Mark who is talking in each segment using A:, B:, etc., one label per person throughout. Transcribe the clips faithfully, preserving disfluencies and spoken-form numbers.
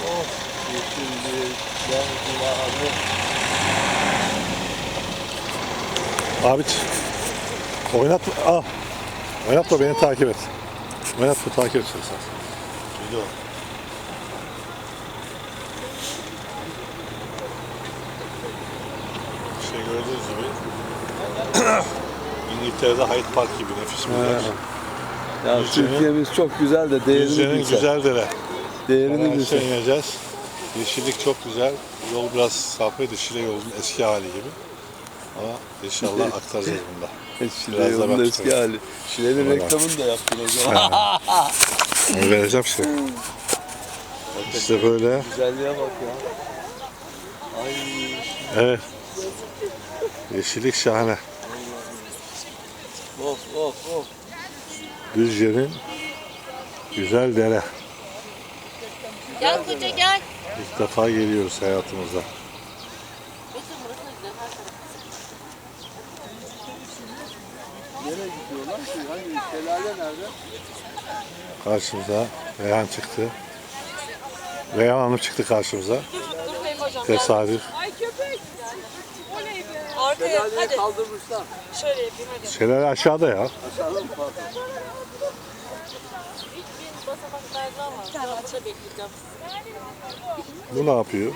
A: Of, yeşillik, renkli.
B: Abi oynatma, ah, oynatma beni takip et. Oynatma takip et sen.
A: Video. İşte gördüğünüz gibi İngiltere'de Hyde Park gibi nefis bir yer.
C: Ya
A: Düzce'nin-
C: Türkiye'miz çok güzel de değerini
A: Düzce'nin
C: bilsen.
A: güzel dere.
C: Değerini
A: Hemen
C: bilsen.
A: aşağı ineceğiz. Yeşillik çok güzel. Yol biraz sapıydı. Şile yolunun eski hali gibi. Ama inşallah aktaracağız bunda.
C: Şile
A: Biraz da
C: yolunun
A: ben
C: eski
A: tutarım.
C: hali. Şile'nin
A: Vallahi.
C: reklamını da yaptın o zaman.
A: Onu vereceğim işte. İşte böyle.
C: Güzelliğe bak ya. Ay.
A: Evet. Yeşillik şahane.
C: Of of of.
A: Düzce'nin güzel dere.
D: Gel koca gel.
A: İlk defa geliyoruz hayatımızda.
C: Nereye gidiyorlar ki? Hangi şelale nerede?
A: Karşımıza Reyhan çıktı. Reyhan Hanım çıktı karşımıza.
D: Durmayın hocam.
A: Tesadüf.
D: Ay köpek. Oley be. Arkaya
C: Şelaleyi
D: hadi.
C: kaldırmışlar.
D: Şöyle yapayım hadi.
A: Şelale aşağıda ya.
C: Aşağıda mı pardon?
D: İlk bir basamaklardan var. Rahatça bekleyeceğim.
A: Bu ne yapıyor?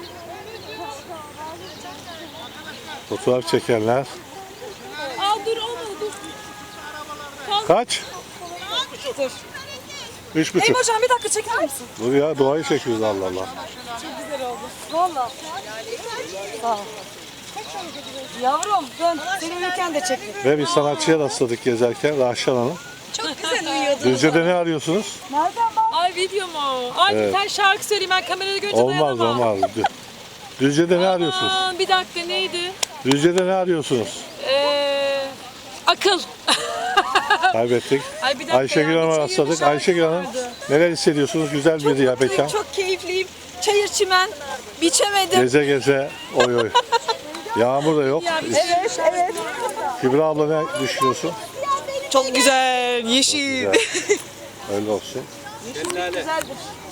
A: Fotoğraf çekenler.
D: Aa dur olmadı dur.
A: Kaç?
D: Dur.
A: Üç
D: Ey
A: buçuk.
D: hocam bir dakika çeker misin?
A: Dur ya doğayı çekiyoruz Allah Allah.
D: Çok güzel oldu. Valla. Sağ ol. Yavrum dön. Seni uyurken de çektim.
A: Ve bir sanatçıya rastladık gezerken Rahşan Hanım.
D: Çok güzel uyuyordun.
A: Düzce'de ne arıyorsunuz?
D: Nereden bak? Ay video mu? Ay
A: Evet.
D: sen şarkı söyleyeyim ben kamerada görünce
A: Olmaz
D: dayanamam.
A: olmaz. Dü- Düzce'de ne arıyorsunuz?
D: Aman, bir dakika neydi?
A: Düzce'de ne arıyorsunuz?
D: Ee, akıl.
A: Kaybettik.
D: Ay bir dakika
A: Ayşegül
D: ya,
A: Hanım'a
D: bir
A: rastladık.
D: şarkı
A: Ayşegül Hanım
D: vardı.
A: neler hissediyorsunuz? Güzel bir ya mekan.
E: Çok keyifliyim. Çayır çimen. Biçemedim.
A: Geze geze oy oy. Yağmur da yok.
E: Evet, evet.
A: Kübra abla ne düşünüyorsun?
E: Çok güzel, yeşil.
A: Güzel. Öyle olsun.
C: Şelale.